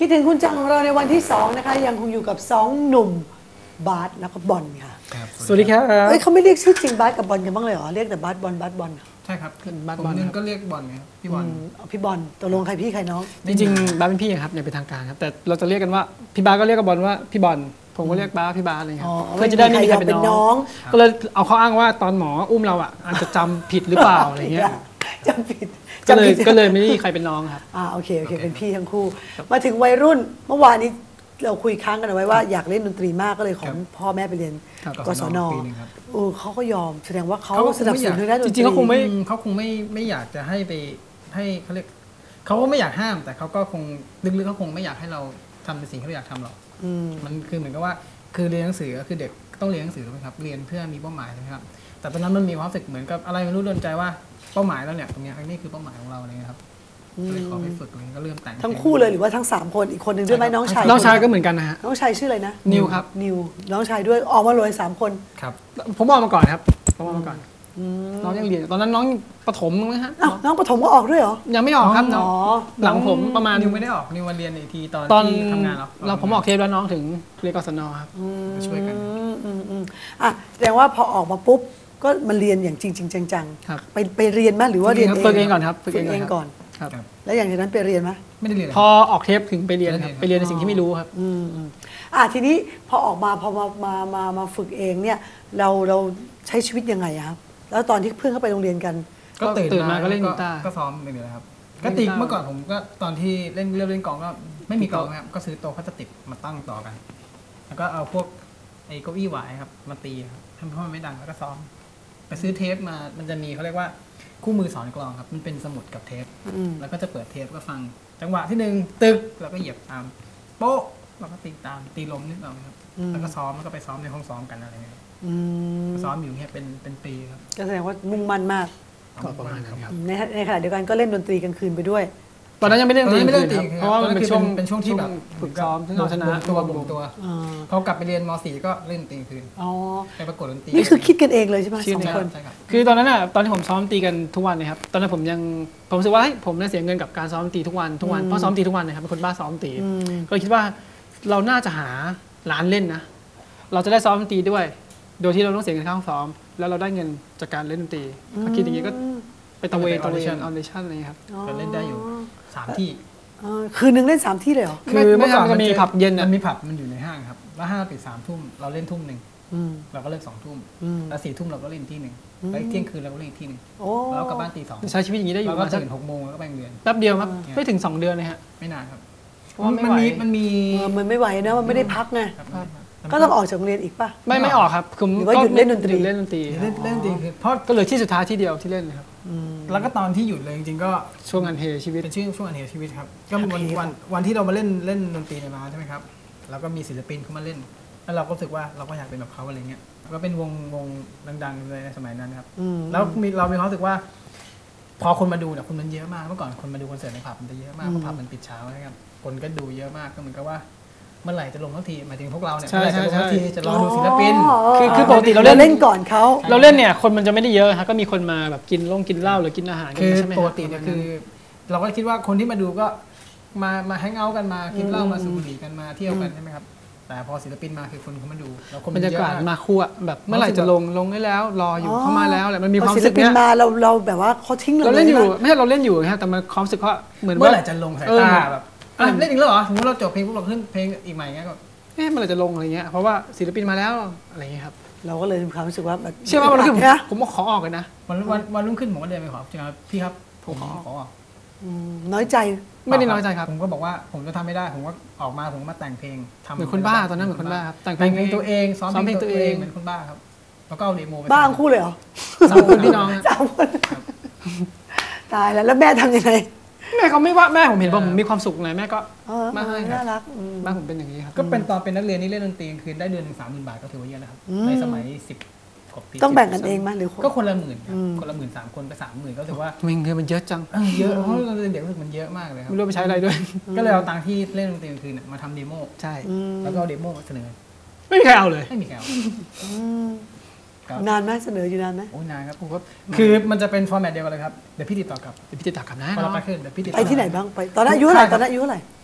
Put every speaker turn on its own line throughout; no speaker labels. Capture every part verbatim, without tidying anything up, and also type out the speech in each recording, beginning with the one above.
คิดถึงคุณจังของเราในวันที่สองนะคะยังคงอยู่กับสองหนุ่มบาสแล้วก็บอลค่ะ
สวัสดีครับ
เอ้ยเขาไม่เรียกชื่อจริงบาสกับบอลกันบ้างเลยเหรอเรียกแต่บาสบอลบาสบอล
ใช่ครับบาสบอลก็เรียกบอลไงพี่บอล
พี่บอลตกลงใครพี่ใครน้อง
จริงๆบาสเป็นพี่ครับอย่างเป็นทางการครับแต่เราจะเรียกกันว่าพี่บาสก็เรียกกับบอลว่าพี่บอลผมก็เรียกบาสพี่บาสอะไรครับเพื่อจะได้ไม่มีใครเป็นน้องก็เลยเอาเขาอ้างว่าตอนหมออุ้มเราอ่ะอาจจะจำผิดหรือเปล่าอะไรเงี้ย
จำผิด
ก็เลยก็เลยไม่มีใครเป็นน้องครับ
อ่าโอเคโอเคเป็นพี่ทั้งคู่มาถึงวัยรุ่นเมื่อวานนี้เราคุยค้างกันเอาไว้ว่าอยากเล่นดนตรีมากก็เลยของพ่อแม่ไปเรียนกศน.โอ้เขาก็ยอมแสดงว่าเขาสนับสนุนทางด้านดนตรี
จริงๆเขาคงไม่เขาคงไม่ไม่อยากจะให้ไปให้เขาเรียกเขาก็ไม่อยากห้ามแต่เขาก็คงลึกๆเขาคงไม่อยากให้เราทำในสิ่งที่เราอยากทำหรอกมันคือเหมือนกับว่าคือเรียนหนังสือก็คือเด็กต้องเรียนหนังสือถูกไหมครับเรียนเพื่อมีเป้าหมายนะครับแต่ตอนนั้นมันมีความรู้สึกเหมือนกับอะไรไม่รู้โดนใจว่าเป้าหมายแล้วเนี่ยตรงนี้นี่คือเป้าหมายของเราอะไรเงี้ยครับเลยขอไปฝึกตรงนี้ก็เริ่มแต่ง
ทั้งคู่เลยหรือว่าทั้งสามคนอีกคนหนึ่งด้วยไหมน้องชาย
น้องชายก็เหมือนกันนะฮะ
น้องชายชื่ออะไรนะ
นิวครับ
นิวน้องชายด้วยออกมาเลยสามคน
ครับผมออกมาก่อนครับผมออกมาก่อนน้องยังเรียนตอนนั้นน้องประถมมั้งฮะ
น้องประถมก็ออกด้วยเหรอ
ยังไม่ออกครับน้องหลังผมประมาณ
นิวไม่ได้ออกนิวมาเรียนอีกทีตอนที่ทำงานแล้ว
เราผมออกเทปแล้วน้องถึงเรียนกศน.ครับ
ช่วยกัน
อ่ะแสดงว่าพอออกมาปุ๊บก็มาเรียนอย่างจริงจริงจังๆไปไปเรียนไหมหรือว่าเรียนเอง
ฝึกเองก่อนครับ
ฝึกเองก่อน
ครับ
แล้วอย่างนั้นไปเรียนไหม
ไม่ได้เรียน
พอออกเทปถึงไปเรียนครับไปเรียนในสิ่งที่ไม่รู้ครับ
อืมอ่ะทีนี้พอออกมาพอมามามามาฝึกเองเนี่ยเราเราใช้ชีวิตยังไงครับแล้วตอนที่เพื่อนเข้าไปโรงเรียนกัน
ก็ตื่นมาก็เล่นกีตาร์ก็ซ้อมอย่างเดียวครับก็ตีเมื่อก่อนผมก็ตอนที่เล่นเริ่มเล่นกลองก็ไม่มีกลองครับก็ซื้อโต๊ะพลาสติกมาตั้งต่อกันแล้วก็เอาพวกไอ้เก้าอี้หวายครับมาตีครับทำให้มันไม่ดังแล้วก็ซ้อมไปซื้อเทปมามันจะมีเขาเรียกว่าคู่มือสอนกลองครับมันเป็นสมุดกับเทปแล้วก็จะเปิดเทปก็ฟังจังหวะที่หนึ่งตึกแล้วก็เหยียบตามโป๊ะแล้วก็ตีตามตีลมนิดหน่อยครับแล้วก็ซ้อมแล้วก็ไปซ้อมในห้องซ้อมกันอะไรเงี้ยซ้อมอยู่เนี่ยเป็นเป็นปีครับ
ก็แสดงว่ามุ่งมั่นมาก
ก็ประมาณนั้นครับ
ในในขณะเดียวกันก็เล่นดนตรีกลางคืนไปด้วย
ตอนนั้นยังไม่เล่นดนตรี
ไม่เล่นดนตรี
เพราะว่ามันเป็นช่วง
เป็นช่วงที่แบบ
ฝึกซ้อมที่เราชนะ
ตัวบ่มตัวพอกลับไปเรียนม .สี่ ก็เล่นดนตรีคืนไปประกวดดนตรี
นี่คือคิดกันเองเลยใช่ไหมสองคน
คือตอนนั้นอ่ะตอนที่ผมซ้อมตีกันทุกวันเลยครับตอนนั้นผมยังผมรู้สึกว่าผมเนี่ยเสียเงินกับการซ้อมตีทุกวันทุกวันเพราะซ้อมตีทุกวันนะครับเป็นคนบ้าซ้อมตีก็คิดว่าเราน่าจะหาร้านเล่นนะเราจะได้ซ้อมดนตรีด้วยโดยที่เราต้องเสียเงินค่าห้องซ้อมแล้วเราได้เงินจากการเล่นดนตรีก็คิดอย่างนี้ก็ไปตะเวนตะเวนออเดชั่นอะไรครับ
ก็เล่นได้อยู่สามที่
คืนนึงเล่นสามที่เลยเหรอ
คือเมื่อก่อนมันมีผับเย็น
มันมีผับมันอยู่ในห้างครับแล้วห้างปิดสามทุ่มเราเล่นทุ่มหนึ่งเราก็เลิกสองทุ่มแล้วสี่ทุ่มเราก็เล่นที่หนึ่งแล้วเที่ยงคืนเราก็เล่นที่หนึ่งแล้วกลับบ้านตีสอง
ใช้ชีวิตอย่างนี้ได้อยู่
เราก็ตื่นหกโมงแล้วก็ไปเรียน
แป๊บเดียวครับไม่ถึงสองเดือนเลยฮะ
ไม่นานครับ
มันมี
มันมี
มันไม่ไหวนะมันไม่ได้พักไงก็ต้องออกจากโรงเรียนอีกป่ะ
ไม่ไม่ออกครับ
คือว่าหยุดเล่นดนตรี
เล่นดนตรี
เล่นเล่นดนตรีคือเพราะ
ก็เลยที่สุดท้ายที่เดียวที่เล่นเลยครับ
แล้วก็ตอนที่หยุดเลยจริงๆก็
ช่วงอันเทชีวิต
เป็นช่วงช่วงอันเทชีวิตครับก็วันวันวันที่เรามาเล่นเล่นดนตรีในร้านใช่ไหมครับแล้วก็มีศิลปินเขามาเล่นแล้วเราก็รู้สึกว่าเราก็อยากเป็นแบบเขาอะไรเงี้ยก็เป็นวงวงดังๆเลยในสมัยนั้นครับแล้วมีเรามีความรู้สึกว่าพอคนมาดูเนี่ยคนมันเยอะมากเมื่อก่อนคนมาดูคอนเสิร์ตในผับมันจะเยอะมากเพราะผับมันปิดเช้านะครับคนก็ดูเยอะมากก็เหมือนกับว่าเมื่อไหร่จะลงทันทีหมายถึงพวกเราเนี่ยเมื่อไหร่จะลงทันทีจะรอดูศิลปิน
คือคือปกติเรา
เล่นก่อนเขา
เราเล่นเนี่ยคนมันจะไม่ได้เยอะฮะก็มีคนมาแบบกินลงกินเหล้าหรือกินอาหาร
คือปกติเนี่ยคือเราก็คิดว่าคนที่มาดูก็มามาแฮงเอาท์กันมากินเหล้ามาสูบบุหรี่กันมาเที่ยวกันใช่ไหมครับแต่พอศิลปินมาคือคนเขามาดูแล้วคน
บรรยากาศมาคู่แบบเมื่อไหร่จะลงลงได้แล้วรออยู่เข้ามาแล้วแหละมันมีความ
รู้สึกเนี้ยมาเราเราแบบว่าเขาทิ้ง
เราเล่นอยู่ไม่ใช่เราเล่นอยู่ฮะแต่มันความรู้สึกว่าเหมือน
เมื่อไหร่จะลงสายตาแบบเล่นอีกแล้วเหรอสมมติเราจบเพลงพวกเราขึ้นเพลงอีกใหม่เงี้ยก็
เอ๊ะมันอะไรจะลงอะไรเงี้ยเพราะว่าศิลปินมาแล้วอะไรเงี้ยครับ
เราก็เลยมีความรู้สึกว่า
เชื่อว่าวันรุ่งขึ้นผมขอออกเลยนะ
วันวันวันรุ่งขึ้นผมก็เดินไปขอจริงครับพี่ครับผมขอขอออก
น้อยใจ
ไม่ได้น้อยใจครับ
ผมก็บอกว่าผมจะทำไม่ได้ผมก็ออกมาผมมาแต่งเพลง
ทำเหมือนคนบ้าตอนนั้นเหมือนคนบ้าครับ
แต่งเพลงตัวเองซ้อมเพลงตัวเองเหมือนคนบ้าครับแล้วก็เอาเดโมไป
บ้าคู่เลยเหรอ
สามคนพี่น้อง
สามคนตายแล้วแล้วแม่ทำยังไง
แม่เขาไม่ว่าแม่ผมเห็นผมมีความสุขไงแม่ก็
มาให้น่ารัก
แม่ผมเป็นอย่างนี้ครับ
ก็เป็นตอนเป็นนักเรียนนี่เล่นดนตรีคืนได้เดือนหนึ่งสามหมื่นบาทก็ถือว่าเยอะนะครับในสมัยสิบกว่าปี
ต้องแบ่งกันเองไหมหรือ
ก็คนละหมื่นคนละหมื่นสามคนไปสามหมื่นก็ถือว่า
มันเงินมันเยอะจัง
เยอะเพราะเราเด็กรู้สึกมันเยอะมากเลยครับ
ไม่รู้ไปใช้อะไรด้วย
ก็เลยเอาตังค์ที่เล่นดนตรีคืนมาทำเดโม
ใช่
แล้วก็เอาเดโมเสนอ
ไม่มีใครเอาเลย
ไม่มีใครเอา
นานไหมเสนออยู่นานไหม
โอ้นานครับผมก็คือมันจะเป็นฟอร์แมตเดียวกันเลยครับเดี๋ยวพี่ติดต่อกลับ
เดี๋ยวพี่ติดต่อกลับนะ
เราไปขึ้นเดี๋ยวพี่ติด
ไปที่ไหนบ้างไปตอนนั้นอายุเท่าไหร่ตอนนั้นอายุเท่าไหร่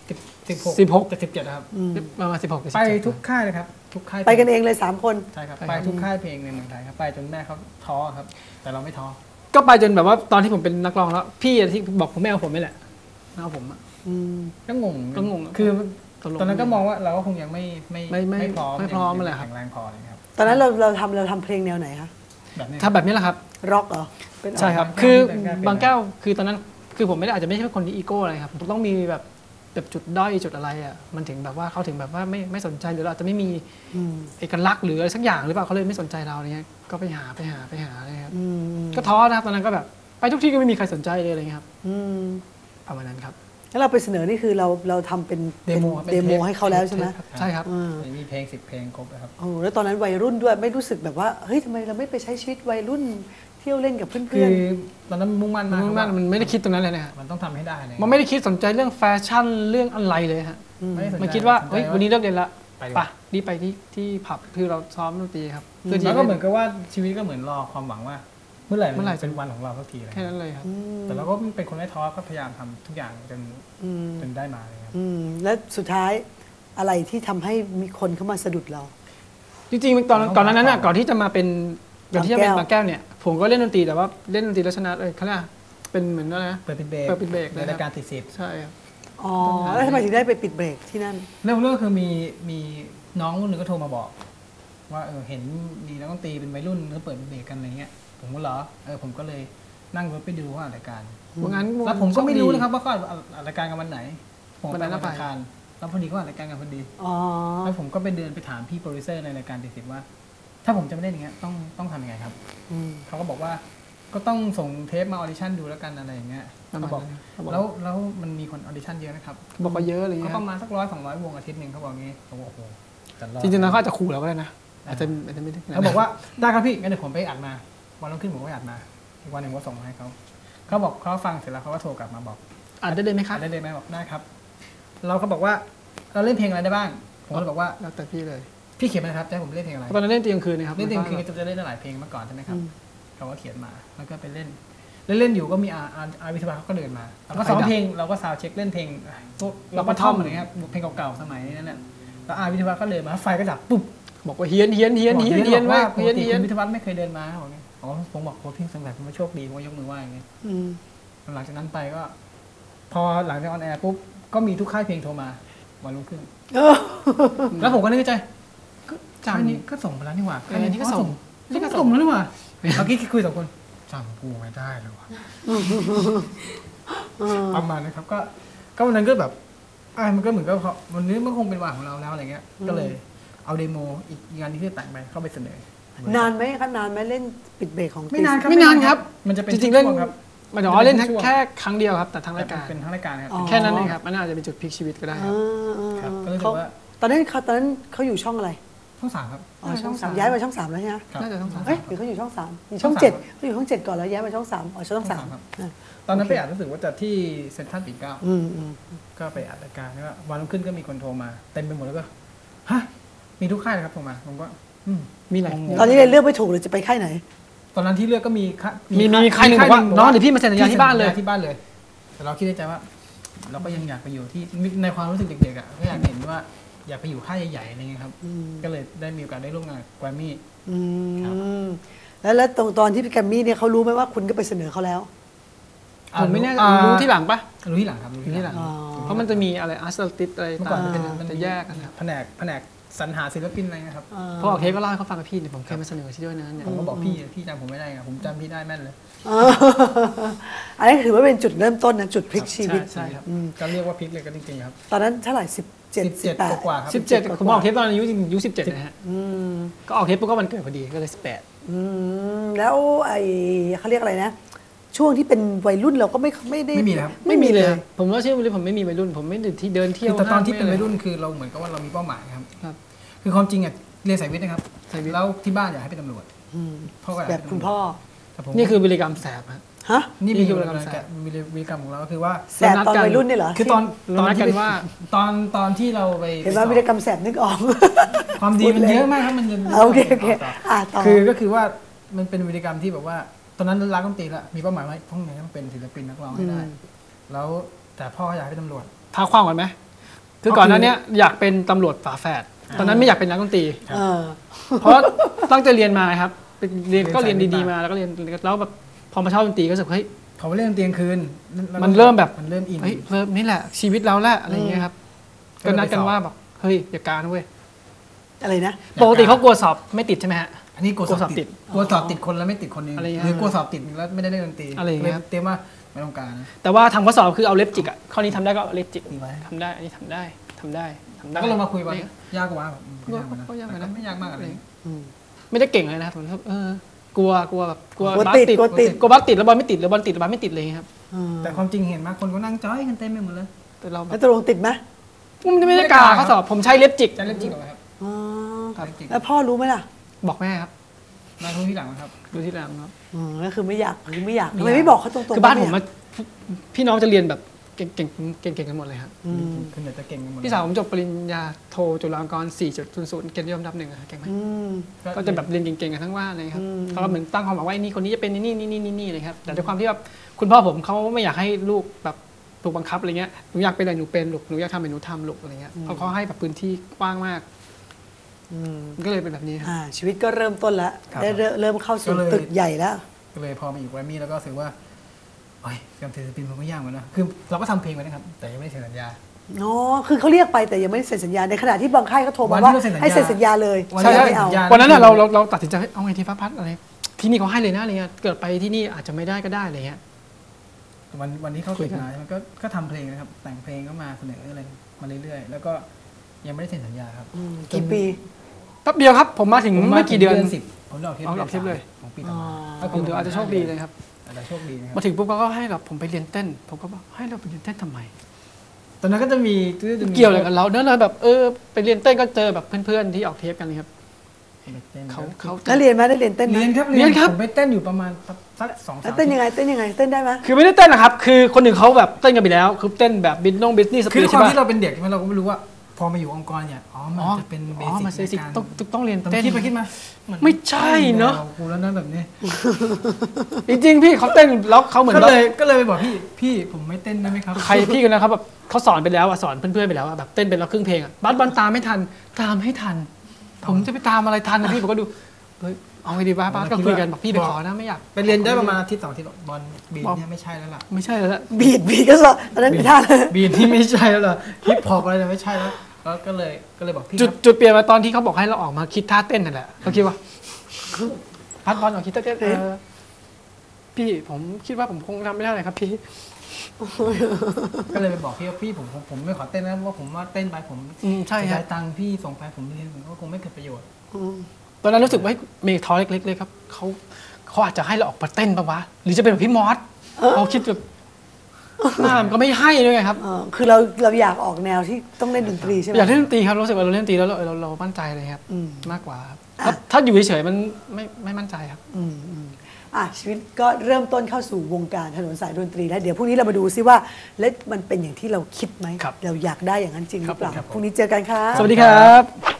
สิบหกแต่สิบเจ็ดครับ
ประมาณสิบหก
ไปทุกค่ายเลยครับทุกค่าย
ไปกันเองเลยสามคน
ใช่ครับไปทุกค่ายเพลงในเมืองไทยครับไปจนแม่เขาท้อครับ แต่เราไม่ท้อ
ก็ไปจนแบบว่าตอนที่ผมเป็นนักร้องแล้วพี่ที่บอกผมแม่เอาผมนี่แหละเอาผมอ่ะ
ก็งง
ก็งง
คือตอนนั้นก็มองว่าเราก็คงยังไม่ไม่
ไม่ไม่
ไม่พร้อม
ไม่พร้อมอะไรครับ
แข็งแรงพอเลยครับ
ตอนนั้นเราเราทำเราทำเพลงแนวไหนคะ
แบบนี้
ถ้าแบบนี้แหละครับ
ร็อกเหรอเป็น
ใช่ครับ
บางแก้ว
คือ
เป็น
บางแก้วคือตอนนั้นคือผมไม่ได้อาจจะไม่ใช่คนที่อีโก้อะไรครับผมต้องมีแบบแบบจุดด้อยจุดอะไรอ่ะมันถึงแบบว่าเขาถึงแบบว่าไม่ไม่สนใจหรือเราอาจจะไม่มี
อืม
เอกลักษณ์หรืออะไรสักอย่างหรือเปล่าเขาเลยไม่สนใจเราอะไรเงี้ยก็ไปหาไปหาไปหาอะไรครับ
อืม
ก็ท้อนะครับตอนนั้นก็แบบไปทุกที่ก็ไม่มีใครสนใจเลยอะไรเงี้ยครับ
อืม
ประมาณนั้นครับ
แล้วเราไปเสนอนี่คือเราเราทำเป็น
เดโมครับ
เดโมให้เขาแล้วใช่ไหม
ใช่ครับ
อืม
มีเพลงสิบเพลงครบเลยครับ
โอ้โหแล้วตอนนั้นวัยรุ่นด้วยไม่รู้สึกแบบว่าเฮ้ยทำไมเราไม่ไปใช้ชีวิตวัยรุ่นเที่ยวเล่นกับเพื่
คือ
อน
ตอนนั้นมุ่งมั่นมาก
มันมันมันไม่ได้คิดตรงนั้นเลยนะฮะ
มันต้องทำให้ได้เลย
มันไม่ได้คิดสนใจเรื่องแฟชั่นเรื่องอะไรเลยฮะ
ไม่ได้สนใจ
มันคิดว่า
สนใจ
เฮ้ยวันนี้เลิกเรียนละ
ไปดีก
ไป
ว่า
รีบไปที่ที่ผับคือเราซ้อมดนตรีครับเพื่อที่
แล้วก็เหมือนกับว่าชีวิตก็เหมือนรอความหวังว่า เมื่อไหร่
เมื่อไหร่
เป็นวันของเราสักทีอะไร
แค่นั้นเลยครับ
ๆอืม
แต่เราก็เป็นคนไม่ท้อก็พยายามทำทุกอย่างจน
อืม
จนได้มาเลยครับ
อืมแล้วสุดท้ายอะไรที่ทำให้มีคนเข้ามาสะดุดเรา
จริงๆตอนก่อนหนานั้นน่ะก่อนที่จะมาเป็นก่อนที่จะเป็น
บา
บาง ง
แก้
แก้
ว
วเนี่ยผมก็เล่นดนตรีแต่ว่าเล่นดนตรีแล้วชนะเลยเขาเรียกเป็นเหมือนอะไรนะ
เปิดปิดเบรก
เปิดปิดเบรก
ในรายการติดสิบ
ใช่ครับ
อ๋อแล้วทำไมถึงได้ไปปิดเบรกที่นั่น
เรื่องเรื่องคือมีมีน้องคนหนึ่งก็โทรมาบอก ว่าเออเห็นมีนักดนตรีเป็นวัยรุ่นเขาเปิดปิดเบรกกันอะไรเงี้ยผมก็เหรอเออผมก็เลยนั่งรถไปดูว่าอัดรายการ
ว่างั้น
แล้วผมก็ไม่รู้นะครับว่าเขาอัดรายการกันวันไหน ผม
วัน
ไป
นั้น
วัน
ไป
อังคารแล้วพอดีเขาอัดรายการกันพอดี
อ๋อ
แล้วผมก็ไปเดินไปถามพี่โปรดิวเซอร์ในรายการติดสิบว่า ถ้าผมจะไม่เล่นอย่างเงี้ยต้องต้องทำยังไงครับ
อืม
เขาก็บอกว่าก็ต้องส่งเทปมาออดิชั่นดูแล้วกันอะไรอย่างเงี้ย
ประมาณ
เขาบอก
นั้นเขาบอก
แล้วแล้วมันมีคนออดิชั่นเยอะนะครับ
บอกว่าเยอะอะไร
ก็
เงี้ย
ประมาณสักร้อยสองร้อยวงอาทิตย์หนึ่งเขาบอกงี้ผมบอกโอ้โหแต่อด
จริงๆแล้วเขาอาจจะขู่เราก็ได้นะอาจจะอาจจะไม่ได้
เขาบอกว่าได้ครับพี่งั้นเดี๋ยวผมไปอัดมาวันรุ่งขึ้นผมก็ไปอัดมาอีกวันหนึ่งผมก็ส่งมาให้เขาเขาบอกเขาฟังเสร็จแล้วเขาก็โทรกลับมาบอก
อ่านได้เลยไหมครั
อั
บ
ดได้เลยไหมบอกได้ครับ เราก็บอกว่าเราเล่นเพลงอะไรได้บ้าง ผมก็เลยบอกว่า
แล้วแต่พี่เลย
พี่เขียนมาเลยครับจะให้ผมเล่นเพลงอะไร
ตอนนั้นเล่นตีกลางคืนนะครับ
เล่นเพลงคือจะเล่นได้หลายเพลงมาก่อนใช่ไหมครับเขาก็เขียนมาแล้วก็ไปเล่นเล่นเล่นอยู่ก็มีอาอาอาวิทยาเขาก็เดินมาเราก็ซ้อมเพลงเราก็ซาวเช็คเล่นเพลงพวกเราก็ท่อมอะไรเงี้ยครับเพลงเก่าๆสมัยนั้นน่ะแล้วอาวิทยาก็เดินมาไฟก็ดับปุ๊บ
บอกว่าเฮี้ยนเฮี้ยนเฮี้ยนเฮี้ยนเฮี้ยน
ว่า
ว่า
ปก
เฮี้ยน
ติ
เฮี้ย
คุ
น
ณวิทยาวัฒน์ไม่เคยเดินมาบอกงี้อ๋อผมบอกโค้ชพี่สงสัยผมว่าโชคดีผมก็ยกมือไหว้อย่างเงี้ย
อืม
หลังจากนั้นไปก็ พอหลังจากออนแอร์ปุ๊บก็มีทุกค่ายเพลงโทรมาวันรุ่งขึ้น
เออ
แล้วผมก็นึกในใจ
จำ
ค่ายนี้ก็ส่งไปแล้วนี่หว่า
เออนี่ก็ส่ง
นี่ก็ส่งแล้วนี่หว่าเมื่อกี้คุยสองคนจำกูไม่ได้เลยว่ะประมาณนะครับก็ก็วันนั้นก็แบบอ่ะมันก็เหมือนกับเขาวันนี้มันคงเป็นวันของเราแล้วอะไรเงี้ย ก็เลยเอาเดโมอีกงานที่จะแต่งไปเข้าไปเสนอ
นานไหมคะนานไหมเล่นปิดเบรกของ
ไม่นานครับ
ไม่นานครับ
มันจะเป็น
จริงๆเล่น
ช่วครับ
หมายถึงว่าเล่น
ช่วง
แค่ครั้งเดียวครับแต่ทั้ง
แต่
รายการ
เป็นทั้งรายการครับ
แค่นั้นเองครับมันอาจจะเป็นจุดพลิกชีวิตก็ได้ครับ
ครับก็รู้สึ
เขา
กว่า
ตอนนั้นเขาตอนนั้นเขาอยู่ช่องอะไร
ช่องสามครับ
อ๋อช่องสามย้ายมาช่องสามแล้วใช่ไหม
ครับ
น่าจะต้องสาม
เอ้ยหรือเขาอยู่ช่องสามอยู่
ช่
ช่
อ
อง ง
สาม
เจ็ดเขาอยู่ช่องเจ็ดก่อนแล้วย้ายมาช่องสามอ๋อช่องสาม
ครับ
อ่ะ
ตอนนั้นไปอัดรู้สึกว่าจะที่เซ็นทรัลปิ่นเกล้า
อืมอืม
ก็ไปอัดรายการแล้วก็วันรุ่งขึ้นก็มีคนโทรมาเต็มไปหมดแล้วก็ฮะมีทุกค่ายเลยครับโทรมาผมก็อืม
มีไหน
ตอนนี้เลยเลือกไม่ถูกเลยจะไปค่ายไหน
ตอนนั้นที่เลือกก็มีค่า
มีมีใครหนึ่งบอกว่าน้องเดี๋ยวพี่มาเซ็นสัญญาที่บ้านเลย
ที่บ้านเลย แต่เราคิดในใจว่า เราก็ยังอยากไปอยู่ที่ในความรู้สึกเด็กๆอ่ะก็อยากเห็นว่าอยากไปอยู่ค่ายใหญ่ๆอะไรเงี้ยครับ
อืม
ก็เลยได้มีโอกาสได้ร่วมงานกับแกรมมี่
อื
ครับ
มแล้วแล้วตรงตอนที่พี่แกรมมี่เนี่ยเขารู้ไหมว่าคุณก็ไปเสนอเขาแล้ว
ผมไม่แน่
อ่า
รู้ที่หลังปะ
รู้ที่หลังครับรู้
รู้ที่หลัง
อ๋อ
เพราะมันจะมีอะไรอาร์ตติสอะไร
เมื่อก่
ต่า
อน
ง
มันเป็น
ๆ
มัน
จะแยกกันครับ
แผนกแผนกสรรหาศิลปินอะไรเงี้ยครับ
พอออกเทปก็เล่าให้เขาฟังกับพี่เนี่ยผมเคยมาเสนอที่ด้วยนะเนี่ย
ผมก็บอกพี่พี่จำผมไม่ได้ไงผมจำพี่ได้แม่นเลย
เอออันนี้ถือว่าเป็นจุดเริ่มต้นนะจุดพลิกชีวิต
ใช่ครับ
อืม
ก็เรียกว่าพลิกเลยก็จริงๆครับ
ตอนนั้นเท่าไหร่สิบเจ็ด
สิบ
สิ
เจ็
บ
ด
แปด
กว่าๆครับ
สิบเจ็ด
กว่าๆ
ผมออกเทปตอนอายุอายุสิบเจ็ดนะฮะ
อืม
ก็ออกเทปปุ๊บก็วันเกิดพอดีก็เลยสิบแปด
อืมแล้วไอ้เขาเรียกอะไรนะ ช่วงที่เป็นวัยรุ่นเราก็ไม่ไม่ได้
ไม่มีนะครับ
ไม่มีเลยครับผมว่าชื่อเลยผมไม่มีวัยรุ่น ผมไม่ได้ที่เดินเที่ยว
คือแต่ตอนที่เป็น
ห้าง
วัยรุ่นคือเราเหมือนกับว่าเรามีเป้าหมายครับ
ครับ
คือความจริงอ่ะเรียนสายวิทย์นะครับ
สายวิทย์
แล้วที่บ้านอยากให้เป็นตำรวจ
อืม
พ่อก็อยาก
แบ
ให้
บ
เป็น
คุณ
ตำรวจ
พ่อ
แต่ผม
นี่คือวิริกรรมแสบครับ
ฮะ
นี่
นี่
มี
คือ
วิ
วิ
ธี
ธี
ก
ก
ร
ร
ร
ร
ม
ม
วิธีวิธีกรรมของเราก็คือว่า
แสบตอนวัยรุ่นเนี่ยเหรอ
คือตอน
เรา
ตอน
นัด
ที่
กันว่า
ตอนตอนที่เราไป
เห็นว่า
ไป
วิ
ส
ร
อบ
กรรมแสบนึกออก
ความดีมันเยอะมากครับมันจะ
โอเคโอเคอ่ะต่อ
คือก็คือว่ามันเป็นวิธีกรรมที่แบบว่า ตอนนั้นรักดนตรีละมีเป้าหมายว่าต้องไหนต้องเป็นศิลปินนักร้องให้ได้ แล้วแต่พ่ออยากให้เป็นตำรวจ
ท้าความก่อนไหมคือก่อนหน้านี้อยากเป็นตำรวจฝาแฝดตอนนั้นไม่อยากเป็นนักดนตรี
เออ
เพราะตั้งใจเรียนมาครับเป็นเรียนก็เรียนดีๆมาแล้วก็เรียนแล้วแบบพอมาชอบดนตรีก็รู้สึกเฮ้ย
เขาไปเล่นดนตรีกลางคืนแล้ว
มันเริ่มแบบ
มันเริ่มอิน
เฮ้ยเริ่มนี่แหละชีวิตเราแหละอะไรอย่างเงี้ยครับก็นัดกันว่าแบบเฮ้ยอย่าการนะเว้ย
อะไรนะ
ปกติเขากลัวสอบไม่ติดใช่ไหมฮะ
อันนี้กลัวสอบติดกลัวสอบติดคนแล้วไม่ติดคนนึง
อะไรอย่างเงี้ย
หรือกลัวสอบติดแล้วไม่ได้เล่นดนตรี
อะไรอย่างเงี้ยครับ
เตรียมว่าไม่ต้องการนะ
แต่ว่าทำข้อสอบคือเอาเล็บจิกอ่ะข้อนี้ทำได้ก็เอาเล็บจิก
ดีไว้
ทำได้อันนี้ทำได้ทำได้ทำได้
แล้วก็ลงมาคุยกัน
นี่
ยากกว่าแบบอืม
ก็
ยากกว่านะ
ก็ยากกว่านะ
แต่ไม่ยากมากอะไร
อืม
ไม่ได้เก่งเลยนะครับผมเออกลัวกลัวแบบกลัว
กลัว
บาส
ติด
ติด
กลัวติด
กลัวบาสติดแล้วบอลไม่ติดหรือบอลติดแล้วบาสไม่ติดเลยครับ
อืม
แต่ความจริงเห็นมากคนก็นั่งจ้อยกันเต็มไปหมดเลย
แต่เราแบ
แล้ว
บ
ตกลงติดไหม
มันไม่ได้กาข้อสอบผมใช้เล็บจิก
จะเล่นจริงเหรอครับ
อ๋อ
ครับ
จริง
แล้วพ่อรู้ไหมล่ะ
บอกแม่ครับ
มาทุกที่หลังนะครับ
ดูที่หลังครับ
อืมก็คือไม่อยากคือไม่อยาก
ไม่
ทำ
อยาก
ไมไม่บอกเขาตรงๆ
คือบ้าน
ว่
ผม
ไอย
มากพี่น้องจะเรียนแบบเก่งเก่งเก่งเก่งกันหมดเลยครับ
อืม
คือเดี๋ยวจะเก่งกันหมด
พี่สาวผมจบปริญญาโทจุฬาลงกรณ์ สี่จุดศูนย์ศูนย์ เกียรตินิยมอันดับหนึ่งอะเก่งไหม
อืม
ก็จะแบบเรียนเก่งๆกันทั้งว่านเลยครับ
อืม
เขาก็เหมือนตั้งความหวังว่าไอ้นี่คนนี้จะเป็นนี่นี่นี่นี่นี่เลยครับแต่ด้วยความที่แบบคุณพ่อผมเขาไม่อยากให้ลูกแบบถูกบังคับอะไรเงี้ยหนูอยากเป็นอะไรหนูเป็นลูกหนูอยากทำอะไรหนูทำลูกอะไรเงี้ยเขาเขาให้แบบพื้นที่กว้างมาก
อืม
มันก็เลยเป็นแบบนี้ครับ
อ่าชีวิตก็เริ่มต้นแล้ว
ครับ
ได้เริ่มเริ่มเข้าสู่ตึกใหญ่แล้ว
ก็เลยพอมาอยู่แกรมมี่แล้วก็รู้สึกว่าโอ้ยการถือศิลปินมันก็ยากเหมือนกันนะคือเราก็ทำเพลงไว้นะครับแต่ยังไม่ได้เซ็นสัญญา
อ๋อ คือเขาเรียกไปแต่ยังไม่ได้เซ็นสัญญา ในขณะที่บางค่ายเขาโทร
วั
มาน
ที่
ว่า
เราเซ็นสัญญา
ให้เซ็นสัญญาเลย
วัน
ใช่
ที่
ใช่
เราเซ็นสัญญา
วันนั้นอะเราเราเราตัดสินใจเฮ้ยเอาไงทีฟ้าพัดอะไรที่นี่เขาให้เลยนะอะไรเงี้ยเกิดไปที่นี่อาจจะไม่ได้ก็ได้อะไรเงี้ย
วันวันที่เข้า
คุ
ตึ
ย
ก
กัน
มามันก็ก็ทำเพลงนะครับ แต่งเพลงก็มาเสนออะไรมาเรื่อยๆ แล้วก็ยังไม่ได้เซ็นสัญญาครับ
อืมกี่ปี
แป๊บเดียวครับผมมาถึงไม่กี่เดือน
สิบผมได้ออกเทป
เอาออกเทปเลย
ของปีต่อมา
อ๋อ
ผมถืออาจจะโชคดีเลยครับ
อาจจะโชคดีนะครับ
มาถึงปุ๊บเขาก็ให้แบบผมไปเรียนเต้น ผมก็บอกให้เราไปเรียนเต้นทำไม
ตอนนั้นก็จะมีจะมี
เกี่ยวอะไรกับเราเนอะเราแบบเออไปเรียนเต้นก็เจอแบบเพื่อนๆที่ออกเทปกันเลยครับ เขา
เขา
เขา
แล้วเรียนไหมได้เรียนเต้นไหม
เรียนครับ
เรียนครับ
ผมไปเต้นอยู่ประมาณสักสอง
แล้
สาว ม
เต้นยังไง เต้นยังไง เต้นได้ไหม
คือไม่ได้เต้นนะครับ คือคนหนึ่งเขาแบบเต้นกันไปแล้ว คือเต้นแบบบินนงบิสนี่ส
คื
ปี
อ
ด
ค
ใช่
วาม
ปะ
ที่เราเป็นเด็กใช่ไหมเราก็ไม่รู้ว่า พอมาอยู่องค์กรเนี่ยอ๋อมัน
อ๋อ
จะเป็นเบ
อ๋อ
สิก
มาเบสิก
ในการ
ต้องต้องต้องเรียน
แต่
เต้น
คิดไปคิดมา
ไม่ใช่เนอะ
กูแล้วนะแบบนี้
จริงๆพี่เขาเต้นแล้วเขาเหมือน
ก็
แบบ
เลยก็เลยไปบอกพี่พี่ผมไม่เต้นได้ไหมครับ
ใครพี่กันนะครับแบบเขาสอนไปแล้วอะสอนเพื่อนๆไปแล้วอะแบบเต้นไปแล้วครึ่งเพลงอะบัสบอลตามไม่ทันตามให้ทัน ผมจะไปตามอะไรทันนะพี่ผมก็ดูเฮ้ยเอาไงดีบ้าบัสก็คุยกันบอกพี่ไปขอนะไม่อยาก
ไปเรียนได้ประมาณอาทิตย์สองอาทิตย์บอลบีนเนี่ยไม่ใช่แล้วล่ะ
ไม่ใช่แล้วละ
บีดบีดก็สอนตอนนั้นเป็นท่าเลย
บีนที่ไม่ใช่แล้วล่ะฮิปฮอปอะไรเนี่ยไม่ใช่แล้วแล้วก็เลยก็เลยบอกพี่ค
จุด
รับ
จุดเปลี่ยนมาตอนที่เขาบอกให้เราออกมาคิดท่าเต้นนั่นแหละเขาคิดว่าพัดบอลออกคิดท่าเต้นเออพี่ผมคิดว่าผมคงทำไม่ได้เลยครับพี่
ก็เลยไปบอกพี่ว่าพี่ผมผมผมไม่ขอเต้นนะเพราะผมว่าเต้นไปผม
อืมใช่
เสีย
ครั
ดา
บ
ยตังค์พี่ส่งไปผมเรียนผมก็คงไม่เกิดประโยชน์
ตอนนั้นรู้สึกว่าเมย์ท้อเล็กๆเลยครับเขาเขาอาจจะให้เราออกมาเต้นปะวะหรือจะเป็นแบบพี่มอสเขาคิดแบบหน้ามันก็ไม่ให้ด้วยไงครับ
เออคือเราเราอยากออกแนวที่ต้องเล่นดนตรีใช่ไหม
อยากเล่นดนตรีครับรู้สึกว่าเราเล่นดนตรีแล้วเราเราเรามั่นใจเลยครับ
อืม
มากกว่าครับถ้าถ้าอยู่เฉยๆมันไม่ไม่มั่นใจครับ
อืมอืมอ่ะชีวิตก็เริ่มต้นเข้าสู่วงการถนนสายดนตรีแล้วเดี๋ยวพรุ่งนี้เรามาดูซิว่าแล้วมันเป็นอย่างที่เราคิดไหม
ครับ
เราอยากได้อย่างนั้นจริงหรือเปล่า
ครับผม
พรุ่งนี้เจอกันค่ะ
สวัสดีครับ